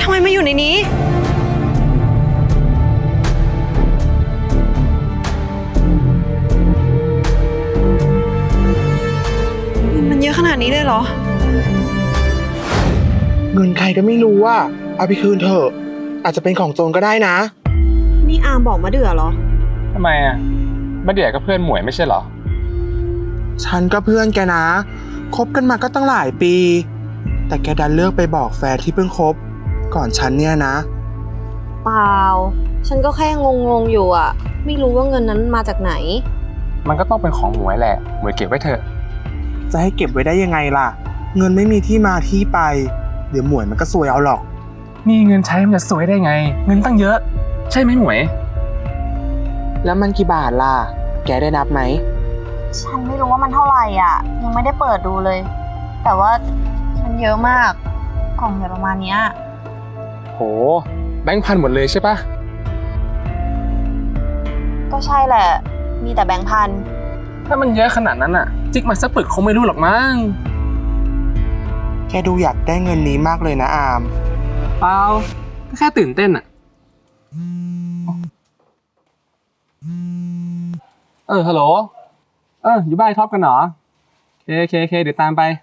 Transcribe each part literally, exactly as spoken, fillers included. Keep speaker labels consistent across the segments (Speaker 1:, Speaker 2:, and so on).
Speaker 1: ทำไมมาอยู่ในนี้เงินมันเยอะขนาดนี้เลยเหรอ
Speaker 2: เงินใครก็ไม่รู้ว่าเอาไปคืนเถอะอาจจะเป็นของโจรก็ได้นะ
Speaker 1: นี่อามบอกมาเดือเหรอ
Speaker 3: ทำไมอ่ะมาเดือก็เพื่อนหมวยไม่ใช่เหรอ
Speaker 2: ฉันก็เพื่อนแกนะคบกันมาก็ตั้งหลายปีแต่แกดันเลือกไปบอกแฟนที่เพิ่งคบก่อนฉันเนี่ยนะ
Speaker 1: เปล่าฉันก็แค่งงๆอยู่อ่ะไม่รู้ว่าเงินนั้นมาจากไหน
Speaker 3: มันก็ต้องเป็นของหมวยแหละหมวยเก็บไว้เถอะ
Speaker 2: จะให้เก็บไว้ได้ยังไงล่ะเงินไม่มีที่มาที่ไปเดี๋ยวหมวยมันก็ซวยเอาหรอก
Speaker 3: มีเงินใช้มันจะสวยได้ไงเงินตั้งเยอะใช่ไหมหมวย
Speaker 2: แล้วมันกี่บาทล่ะแกได้นับไหม
Speaker 1: ฉันไม่รู้ว่ามันเท่าไหร่อ่ะยังไม่ได้เปิดดูเลยแต่ว่ามันเยอะมากกล่องใหญ่ประมาณนี้
Speaker 3: โหแบงค์พันหมดเลยใช่ปะ
Speaker 1: ก็ใช่แหละมีแต่แบงค์พัน
Speaker 3: ถ้ามันเยอะขนาดนั้นอ่ะจิกมาสักปึกคงไม่รู้หรอกมั้ง
Speaker 2: แกดูอยากได้เงินนี้มากเลยนะอาม
Speaker 3: เปล่าแค่ตื่นเต้นอ่ะเออฮัลโหลเอออยู่บ้านท็อปกันเหรอเคเคเคเดี๋ยวตามไป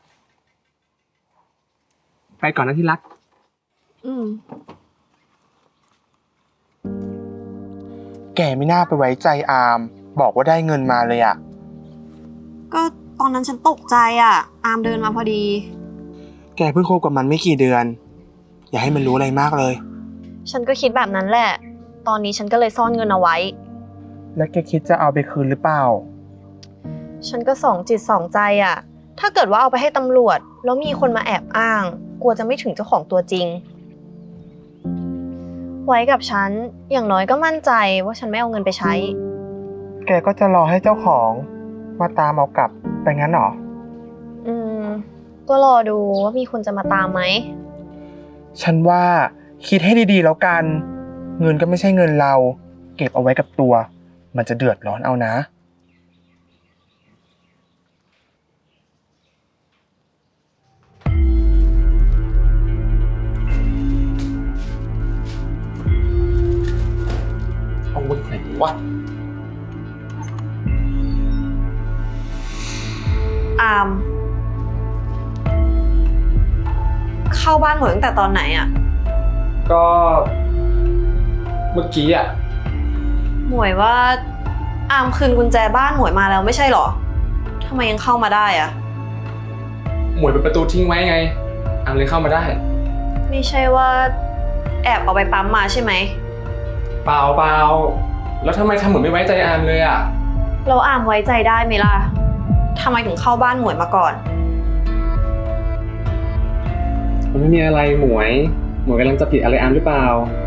Speaker 3: ไปก่อนนะที่รัก
Speaker 1: อืม
Speaker 2: แกไม่น่าไปไว้ใจอามบอกว่าได้เงินมาเลยอะ
Speaker 1: ก็ตอนนั้นฉันตกใจอ่ะอามเดินมาพอดี
Speaker 2: แกเพิ่งคบกับมันไม่กี่เดือนอย่าให้มันรู้อะไรมากเลย
Speaker 1: ฉันก็คิดแบบนั้นแหละตอนนี้ฉันก็เลยซ่อนเงินเอาไว้
Speaker 2: แล้วแกคิดจะเอาไปคืนหรือเปล่า
Speaker 1: ฉันก็สองจิตสองใจอ่ะถ้าเกิดว่าเอาไปให้ตำรวจแล้วมีคนมาแอบอ้างกลัวจะไม่ถึงเจ้าของตัวจริงไว้กับฉันอย่างน้อยก็มั่นใจว่าฉันไม่เอาเงินไปใช้
Speaker 2: แกก็จะรอให้เจ้าของมาตามเอากลับไปงั้นหรอ
Speaker 1: อืมก็รอดูว่ามีคนจะมาตามไหม
Speaker 2: ฉันว่าคิดให้ดีๆแล้วกันเงินก็ไม่ใช่เงินเราเก็บเอาไว้กับตัวมันจะเดือดร้อนเอานะ
Speaker 3: เอาไว้ไหนวะ
Speaker 1: อามเข้าบ้านหมวยตั้งแต่ตอนไหนอ่ะ
Speaker 3: ก็เมื่อกี้อ่ะ
Speaker 1: หมวยว่าอามคืนกุญแจบ้านหมวยมาแล้วไม่ใช่หรอทำไมยังเข้ามาได้อ่ะ
Speaker 3: หมวยเปิดประตูทิ้งไว้ไงอามเลยเข้ามาได้
Speaker 1: ไม่ใช่ว่าแอบเอาไปปั๊มมาใช่ไหม
Speaker 3: เปล่าเปล่าแล้วทำไมทำเหมือนไม่ไว้ใจอามเลยอ่ะ
Speaker 1: เราอามไว้ใจได้ไหมล่ะทำไมถึงเข้าบ้านหมวยมาก่อน
Speaker 3: มันไม่มีอะไรหมวยหมวยกำลังจะผิดอะไรอามหรือเปล่า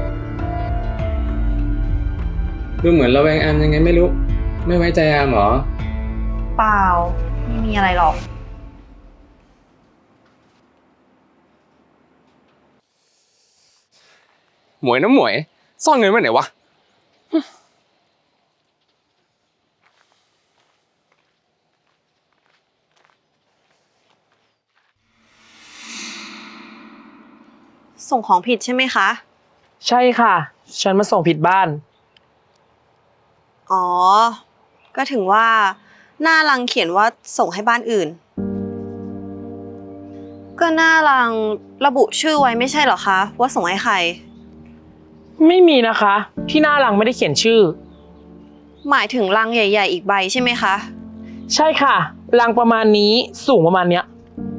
Speaker 3: ดูเหมือนเราแวงอามยังไงไม่รู้ไม่ไว้ใจอามหรอ
Speaker 1: เปล่าไม่มีอะไรหรอก
Speaker 3: หมวยนะหมวยซ่อนเงินไว้ไหนวะ
Speaker 1: ส่งของผิดใช่ไหมคะ
Speaker 4: ใช่ค่ะฉันมาส่งผิดบ้าน
Speaker 1: อ๋อก็ถึงว่าหน้ารังเขียนว่าส่งให้บ้านอื่นก็หน้ารังระบุชื่อไว้ไม่ใช่เหรอคะว่าส่งให้ใคร
Speaker 4: ไม่มีนะคะที่หน้ารังไม่ได้เขียนชื่อ
Speaker 1: หมายถึงรังใหญ่ๆอีกใบใช่ไหมคะ
Speaker 4: ใช่ค่ะรังประมาณนี้สูงประมาณเนี้ย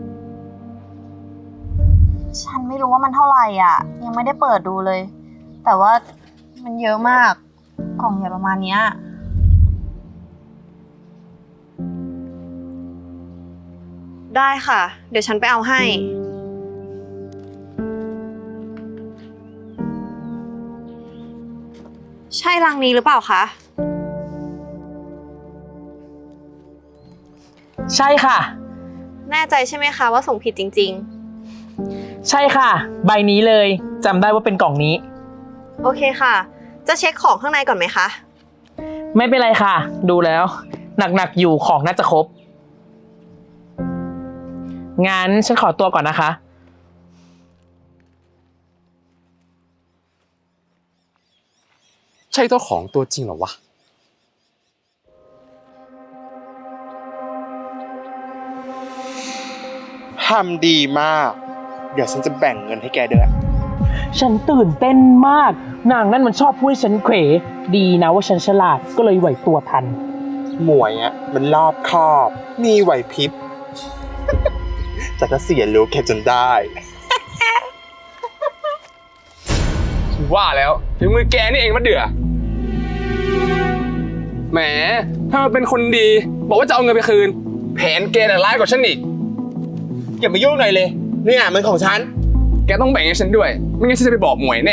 Speaker 1: ฉันไม่รู้ว่ามันเท่าไหร่อ่ะยังไม่ได้เปิดดูเลยแต่ว่ามันเยอะมากกล่องใหญ่ประมาณนี้ได้ค่ะเดี๋ยวฉันไปเอาให้ใช่รังนี้หรือเปล่าคะ
Speaker 4: ใช่ค่ะ
Speaker 1: แน่ใจใช่ไหมคะว่าส่งผิดจริงๆ
Speaker 4: ใช่ค่ะใบนี้เลยจำได้ว่าเป็นกล่องนี้
Speaker 1: โอเคค่ะจะเช็คของข้างในก่อนไหมคะ
Speaker 4: ไม่เป็นไรค่ะดูแล้วหนักๆอยู่ของน่าจะครบงั้นฉันขอตัวก่อนนะคะ
Speaker 3: ใช่เจ้าของตัวจริงเหรอวะ
Speaker 2: ทำดีมาก เดี๋ยวฉันจะแบ่งเงินให้แกด้วย
Speaker 4: ฉันตื่นเต้นมาก นางนั่นมันชอบพูดให้ฉันเขวดีนะว่าฉันฉลาดก็เลยไหวตัวทัน
Speaker 2: หมวยอ่ะมันรอบคอบ มีไหวพริบ จะก็เสียรู้แกจนได้
Speaker 3: ว่าแล้วถึงมือแกนี่เองมะเดือแหมถ้ามันเป็นคนดี บอกว่าจะเอาเงินไปคืน แผนแกน่ะร้ายกว่าฉันอีก
Speaker 2: อย่ามายุ่งหน่อยเลย เนี่ยมันของฉัน
Speaker 3: แกต้องแบ่งให้ฉันด้วย ไม่งั้นฉันจะไปบอกหมวยแน่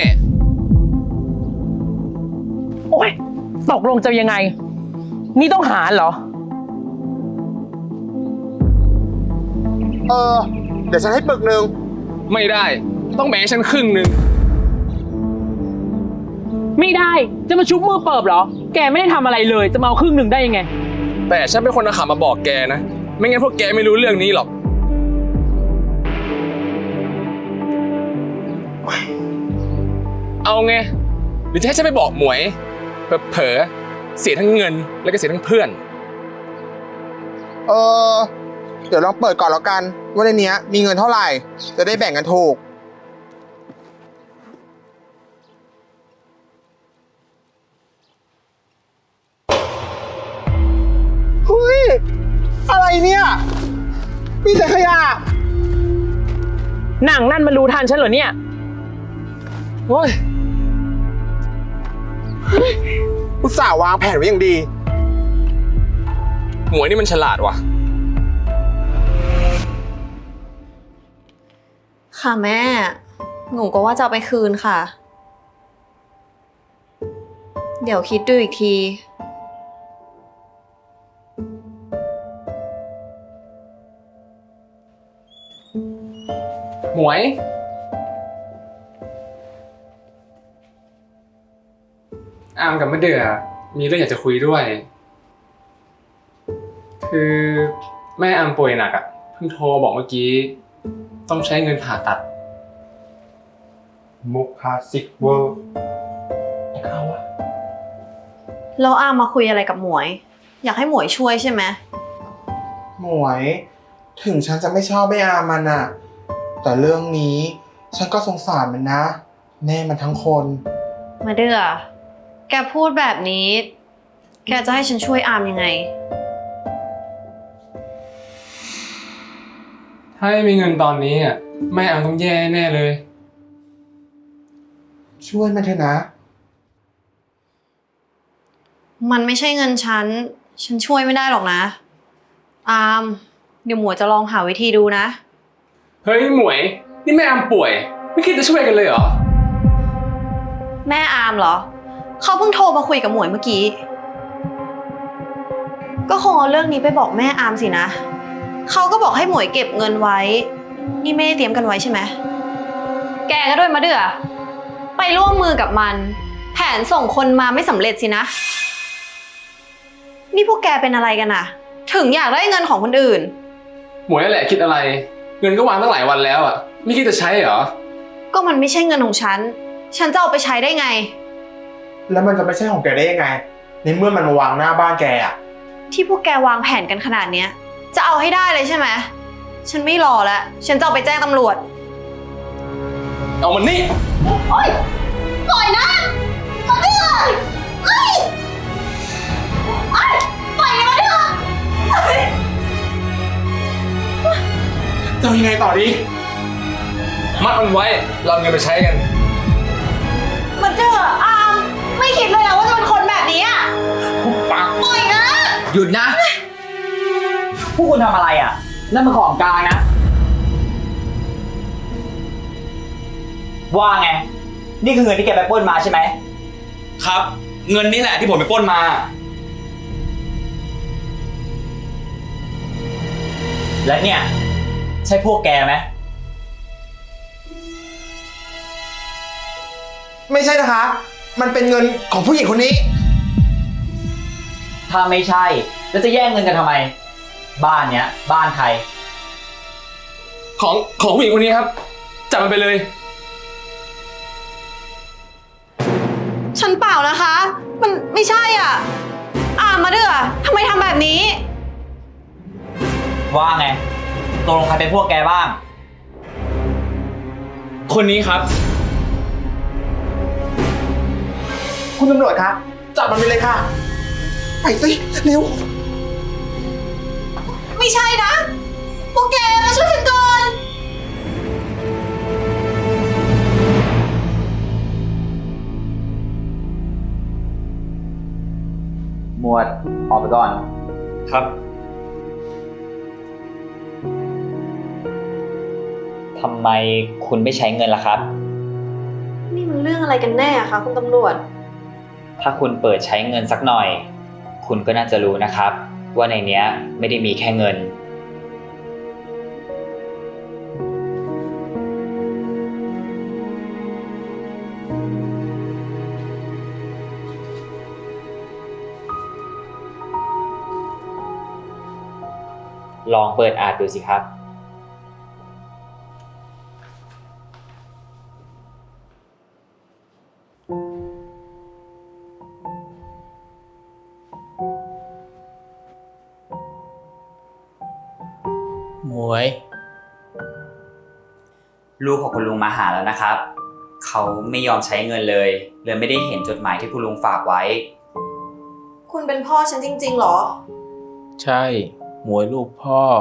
Speaker 4: โอ๊ยตกลงจะยังไง นี่ต้องหารเหรอ
Speaker 2: เออ เดี๋ยวฉันให้ปึกหนึ่ง
Speaker 3: ไม่ได้ ต้องแบ่งให้ฉันครึ่งหนึ่ง
Speaker 4: ไม่ได้ จะมาชุบมือเปิบเหรอ แกไม่ได้ทำอะไรเลย จะมาเอาครึ่งหนึ่งได้ยังไง
Speaker 3: แต่ฉันเป็นคนเอาข่าวมาบอกแกนะ ไม่งั้นพวกแกไม่รู้เรื่องนี้หรอก เอาไง หรือจะให้ฉันไปบอกหมวย เผลอๆเสียทั้งเงินแล้วก็เสียทั้งเพื่อน
Speaker 2: เออ เดี๋ยวลองเปิดก่อนแล้วกัน ว่าในเนี้ยมีเงินเท่าไหร่ จะได้แบ่งกันถูก เฮ้ย อะไรเนี่ย มีแต่ขยะ
Speaker 4: หนังนั่นมันรู้ทันฉันเหรอเนี่ย
Speaker 3: โอ้ย
Speaker 2: อุตส่าห์วางแผนไว้อย่างดี
Speaker 3: หมวยนี่มันฉลาดว่ะ
Speaker 1: ค่ะแม่ หนูก็ว่าจะเอาไปคืนค่ะ เดี๋ยวคิดดูอีกที
Speaker 3: หมวย อามกับมะเดื่อมีเรื่องอยากจะคุยด้วย คือแม่อามป่วยหนักอ่ะ เพิ่งโทรบอกเมื่อกี้ ต้องใช้เงินผ่าตัด
Speaker 2: มุกคลาสสิกเวอร์
Speaker 1: แล้วอามมาคุยอะไรกับหมวย อยากให้หมวยช่วยใช่ไหม
Speaker 2: หมวย ถึงฉันจะไม่ชอบไม่อามันอะแต่เรื่องนี้ฉันก็สงสารมันนะ แม่มันทั้งคน
Speaker 1: มาเดือแกพูดแบบนี้ แกจะให้ฉันช่วยอามยังไง
Speaker 3: ถ้าไม่มีเงินตอนนี้อ่ะแม่อามต้องแย่แน่เลย
Speaker 2: ช่วยมันเถอะนะ
Speaker 1: มันไม่ใช่เงินฉัน ฉันช่วยไม่ได้หรอกนะ อาม เดี๋ยวหมวยจะลองหาวิธีดูนะ
Speaker 3: เฮ้ยหมวย นี่แม่อามป่วย ไม่คิดจะช่วยกันเลยเหรอ
Speaker 1: แม่อามเหรอ เขาเพิ่งโทรมาคุยกับหมวยเมื่อกี้ ก็คงเอาเรื่องนี้ไปบอกแม่อามสินะ เขาก็บอกให้หมวยเก็บเงินไว้ นี่ไม่ได้เตรียมกันไว้ใช่ไหม แกก็ด้วยมาเดือไปร่วมมือกับมัน แผนส่งคนมาไม่สำเร็จสินะ นี่พวกแกเป็นอะไรกันอะถึงอยากได้เงินของคนอื่น
Speaker 3: หมวยนั่นแหละคิดอะไร เงินก็วางตั้งหลายวันแล้วอ่ะ ไม่คิดจะใช้เหรอ
Speaker 1: ก็มันไม่ใช่เงินของฉัน ฉันจะเอาไปใช้ได้ไง
Speaker 2: แล้วมันจะไม่ใช่ของแกได้ยังไง ในเมื่อมันมาวางหน้าบ้านแกอะ
Speaker 1: ที่พวกแกวางแผนกันขนาดเนี้ย จะเอาให้ได้เลยใช่ไหม ฉันไม่รอแล้ว ฉันจะเอาไปแจ้งตำรวจ
Speaker 3: เอามันนี่
Speaker 1: โอ๊ยปล่อยนะมาเดือดเอ้ยเอ้ยปล่อยมาเดือด
Speaker 2: จะเอายังไงต่อดี
Speaker 3: มัดมันไว้ เราเอาเงินไปใช้กัน
Speaker 1: มาเดือดอามไม่คิดเลยนะว่าจะเป็นคนแบบนี้อ่ะ
Speaker 3: ปาก
Speaker 1: ปล่อยนะ
Speaker 5: หยุดนะ พวกคุณทำอะไรอ่ะ นั่นมันของกลางนะ ว่าไง นี่คือเงินที่แกไปปล้นมาใช่ไหม
Speaker 6: ครับ เงินนี่แหละที่ผมไปปล้นมา
Speaker 5: และเนี่ย ใช่พวกแกไหม
Speaker 2: ไม่ใช่นะคะ มันเป็นเงินของผู้หญิงคนนี้
Speaker 5: ถ้าไม่ใช่ แล้วจะแย่งเงินกันทำไม บ้านเนี้ย บ้านใคร
Speaker 3: ของของผู้หญิงคนนี้ครับ จับมันไปเลย
Speaker 1: ฉันเปล่านะคะ มันไม่ใช่อ่ะ อามมาเดือทำไมทำแบบนี้
Speaker 5: ว่าไงตกลงใครเป็นพวกแกบ้าง
Speaker 6: คนนี้ครับ
Speaker 2: คุณตำรวจครับจับมันไปเลยค่ะ ไปสิเร็ว
Speaker 1: ไม่ใช่นะพวกแกมาช่วยฉันก่อน
Speaker 5: หมวดออกไปก่อน
Speaker 6: ครับ
Speaker 5: ทำไมคุณไม่ใช้เงินล่ะครับ
Speaker 1: นี่มันเรื่องอะไรกันแน่อะคะคุณตำรวจ
Speaker 5: ถ้าคุณเปิดใช้เงินสักหน่อย คุณก็น่าจะรู้นะครับ ว่าในเนี้ยไม่ได้มีแค่เงิน ลองเปิดอ่านดูสิครับ
Speaker 4: หมวย
Speaker 5: ลูกของคุณลุงมาหาแล้วนะครับ เขาไม่ยอมใช้เงินเลย เลยไม่ได้เห็นจดหมายที่คุณลุงฝากไว้
Speaker 1: คุณเป็นพ่อฉันจริงๆเหรอ
Speaker 4: ใช่ หมวยลูกพ่อ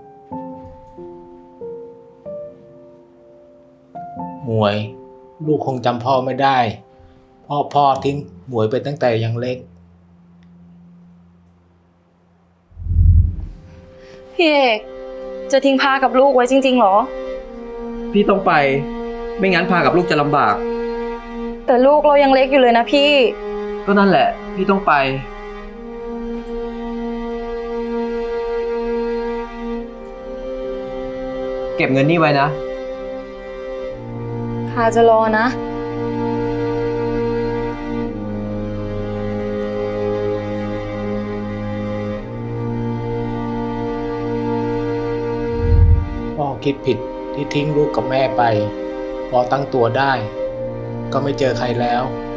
Speaker 4: หมวย ลูกคงจำพ่อไม่ได้ พ่อพ่อทิ้งหมวยไปตั้งแต่ยังเล็ก
Speaker 7: พี่เอกจะทิ้งพากับลูกไว้จริงๆเหรอ
Speaker 3: พี่ต้องไป ไม่งั้นพากับลูกจะลำบาก
Speaker 7: แต่ลูกเรายังเล็กอยู่เลยนะพี่
Speaker 3: ก็นั่นแหละ พี่ต้องไป เก็บเงินนี่ไว้นะ
Speaker 7: พาจะรอนะ
Speaker 4: พ่อคิดผิดที่ทิ้งลูกกับแม่ไป พอตั้งตัวได้ ก็ไม่เจอใครแล้ว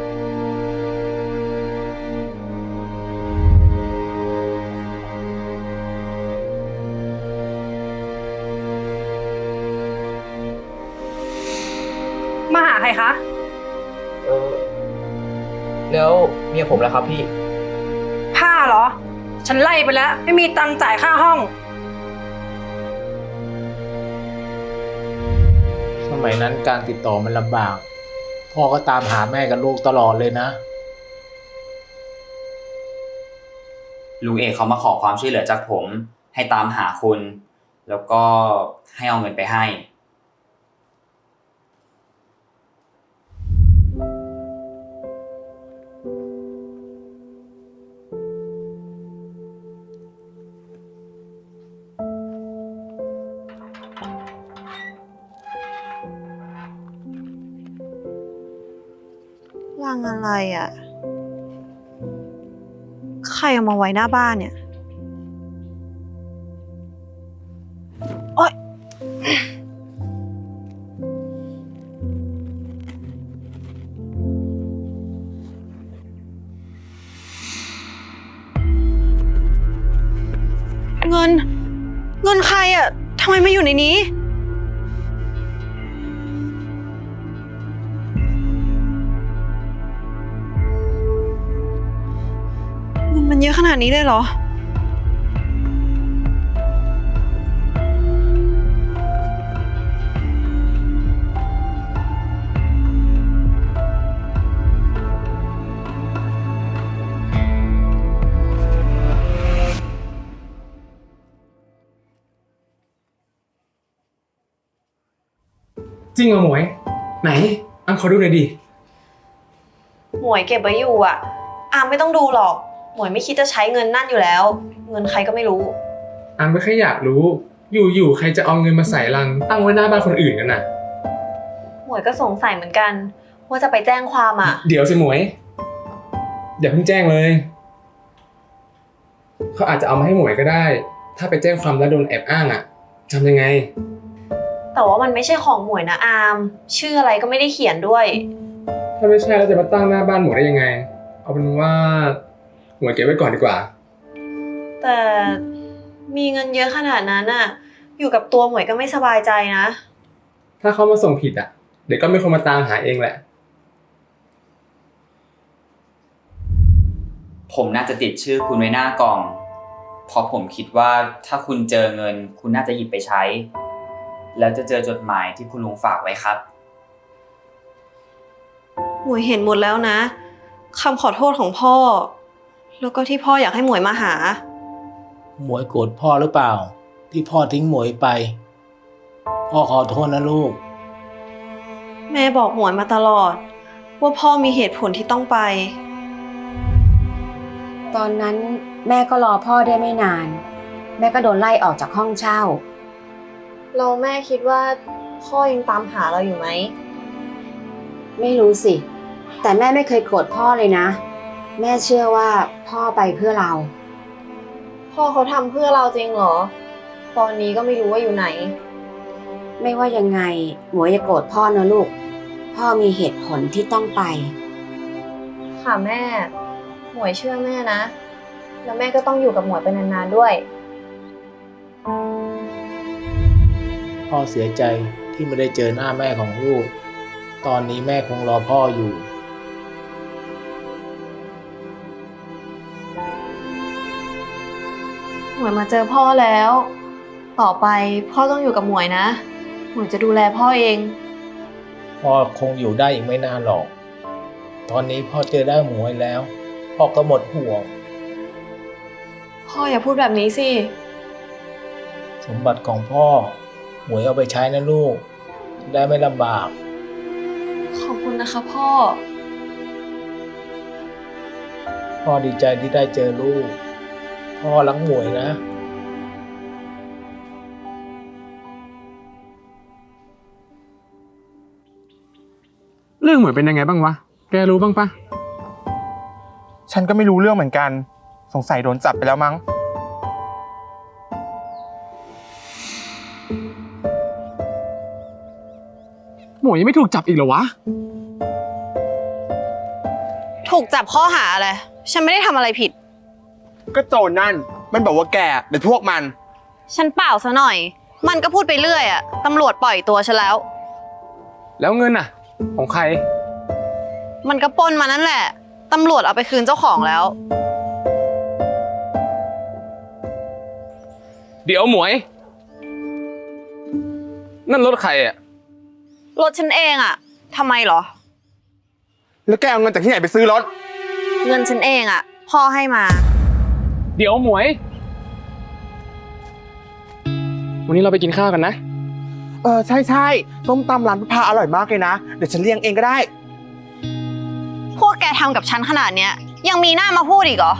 Speaker 7: มาหาใครคะ
Speaker 3: เออ แล้วเมียผมล่ะครับพี่
Speaker 7: ผ้าเหรอ ฉันไล่ไปแล้ว ไม่มีตังค์จ่ายค่าห้อง
Speaker 4: สมัยนั้นการติดต่อมันลำบาก พ่อก็ตามหาแม่กับลูกตลอดเลยนะ
Speaker 5: ลุงเอกเขามาขอความช่วยเหลือจากผม ให้ตามหาคุณ แล้วก็ให้เอาเงินไปให้
Speaker 1: ลังอะไรอ่ะ ใครเอามาไว้หน้าบ้านเนี่ย โอ๊ย เงิน เงินใครอ่ะ ทำไมมาอยู่ในนี้ เงินมันเยอะขนาดนี้เลยเหรอ
Speaker 3: จริงเหรอหมวย ไหนอังขอดูหน่อยดิ
Speaker 1: หมวยเก็บไว้อยู่อ่ะ อามไม่ต้องดูหรอก หมวยไม่คิดจะใช้เงินนั่นอยู่แล้ว เงินใครก็ไม่รู้
Speaker 3: อังก็แค่อยากรู้ อยู่ๆใครจะเอาเงินมาใส่ลังตั้งไว้หน้าบ้านคนอื่นกันน่ะ
Speaker 1: หมวยก็สงสัยเหมือนกัน ว่าจะไปแจ้งความอ่ะ
Speaker 3: เดี๋ยวสิหมวยอย่าเพิ่งแจ้งเลย เขาอาจจะเอามาให้หมวยก็ได้ ถ้าไปแจ้งความแล้วโดนแอบอ้างอ่ะทำยังไง
Speaker 1: แต่ว่ามันไม่ใช่ของหมวยนะอาม ชื่ออะไรก็ไม่ได้เขียนด้วย
Speaker 3: ถ้าไม่ใช่แล้วจะมาตั้งหน้าบ้านหมวยได้ยังไง เอาเป็นว่าหมวยเก็บไว้ก่อนดีกว่า
Speaker 1: แต่มีเงินเยอะขนาดนั้นอะอยู่กับตัวหมวยก็ไม่สบายใจนะ
Speaker 3: ถ้าเขามาส่งผิดอ่ะ เดี๋ยวก็มีคนมาตามหาเองแหละ
Speaker 5: ผมน่าจะติดชื่อคุณไว้หน้ากล่อง เพราะผมคิดว่าถ้าคุณเจอเงิน คุณน่าจะหยิบไปใช้ แล้วจะเจอจดหมายที่คุณลุงฝากไว้ครับ
Speaker 1: หมวยเห็นหมดแล้วนะคำขอโทษของพ่อ แล้วก็ที่พ่ออยากให้หมวยมาหา
Speaker 8: หมวยโกรธพ่อหรือเปล่า ที่พ่อทิ้งหมวยไป พ่อขอโทษนะลูก
Speaker 1: แม่บอกหมวยมาตลอด ว่าพ่อมีเหตุผลที่ต้องไป
Speaker 9: ตอนนั้นแม่ก็รอพ่อได้ไม่นาน แม่ก็โดนไล่ออกจากห้องเช่า
Speaker 1: เราแม่คิดว่าพ่อยังตามหาเราอยู่ไหม
Speaker 9: ไม่รู้สิ แต่แม่ไม่เคยโกรธพ่อเลยนะ แม่เชื่อว่าพ่อไปเพื่อเรา
Speaker 1: พ่อเขาทำเพื่อเราจริงเหรอ ตอนนี้ก็ไม่รู้ว่าอยู่ไหน
Speaker 9: ไม่ว่ายังไงหมวยอย่าโกรธพ่อนะลูก พ่อมีเหตุผลที่ต้องไป
Speaker 1: ค่ะแม่ หมวยเชื่อแม่นะ แล้วแม่ก็ต้องอยู่กับหมวยไปนานๆด้วย
Speaker 8: พ่อเสียใจที่ไม่ได้เจอหน้าแม่ของลูก ตอนนี้แม่คงรอพ่ออยู่
Speaker 1: หมวยมาเจอพ่อแล้ว ต่อไปพ่อต้องอยู่กับหมวยนะ หมวยจะดูแลพ่อเอง
Speaker 8: พ่อคงอยู่ได้อีกไม่นานหรอก ตอนนี้พ่อเจอได้หมวยแล้ว พ่อก็หมดห่วง
Speaker 1: พ่ออย่าพูดแบบนี้สิ
Speaker 8: สมบัติของพ่อ หมวยเอาไปใช้นะลูก จะได้ไม่ลำบาก
Speaker 1: ขอบคุณนะคะพ่อ
Speaker 8: พ่อดีใจที่ได้เจอลูก พ่อรักหมวยนะ
Speaker 3: เรื่องหมวยเป็นยังไงบ้างวะ แกรู้บ้างปะ
Speaker 2: ฉันก็ไม่รู้เรื่องเหมือนกัน สงสัยโดนจับไปแล้วมั้ง
Speaker 3: หมวยยังไม่ถูกจับอีกเหรอวะ
Speaker 1: ถูกจับข้อหาอะไร ฉันไม่ได้ทำอะไรผิด
Speaker 2: ก็โจรนั่น มันบอกว่าแกเป็นพวกมัน
Speaker 1: ฉันเปล่าซะหน่อย มันก็พูดไปเรื่อยอะตำรวจปล่อยตัวฉันแล้ว
Speaker 3: แล้วเงินน่ะ ของใคร
Speaker 1: มันก็ปล้นมานั่นแหละ ตำรวจเอาไปคืนเจ้าของแล้ว
Speaker 3: เดี๋ยวหมวย นั่นรถใครอ่ะ
Speaker 1: รถฉันเองอะทำไมเหรอ
Speaker 2: แล้วแกเอาเงินจากที่ไหนไปซื้อรถ
Speaker 1: เงินฉันเองอะพ่อให้มา
Speaker 3: เดี๋ยวหมวย วันนี้เราไปกินข้าวกันนะ
Speaker 2: เออใช่ใช่ส้มตำร้านพระพาอร่อยมากเลยนะ เดี๋ยวฉันเลี้ยงเองก็ได้
Speaker 1: พวกแกทำกับฉันขนาดเนี้ยยังมีหน้ามาพูดอีกเหรอ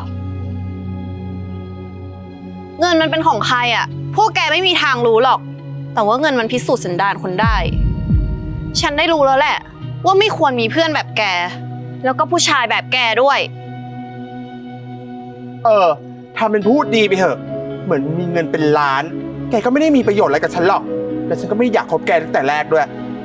Speaker 1: เงินมันเป็นของใครอะพวกแกไม่มีทางรู้หรอก แต่ว่าเงินมันพิสูจน์สันดานคนได้ ฉันได้รู้แล้วแหละ ว่าไม่ควรมีเพื่อนแบบแก แล้วก็ผู้ชายแบบแกด้วย
Speaker 2: เออทำเป็นพูดดีไปเถอะ เหมือนมีเงินเป็นล้าน แกก็ไม่ได้มีประโยชน์อะไรกับฉันหรอก และฉันก็ไม่ได้อยากคบแกตั้งแต่แรกด้วย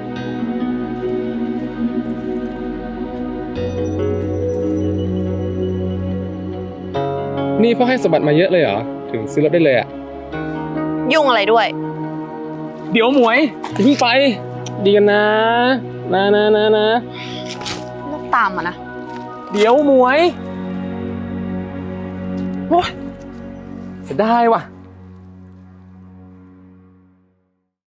Speaker 3: นี่พ่อให้สมบัติมาเยอะเลยเหรอ ถึงซื้อรถได้เลยอ่ะ
Speaker 1: ยุ่งอะไรด้วย
Speaker 3: เดี๋ยวหมวยอย่าเพิ่งไป ดีกันนะ นะนะนะนะ
Speaker 1: เลิกตามมานะ
Speaker 3: เดี๋ยวหมวยโอ้ยจะได้ว่ะ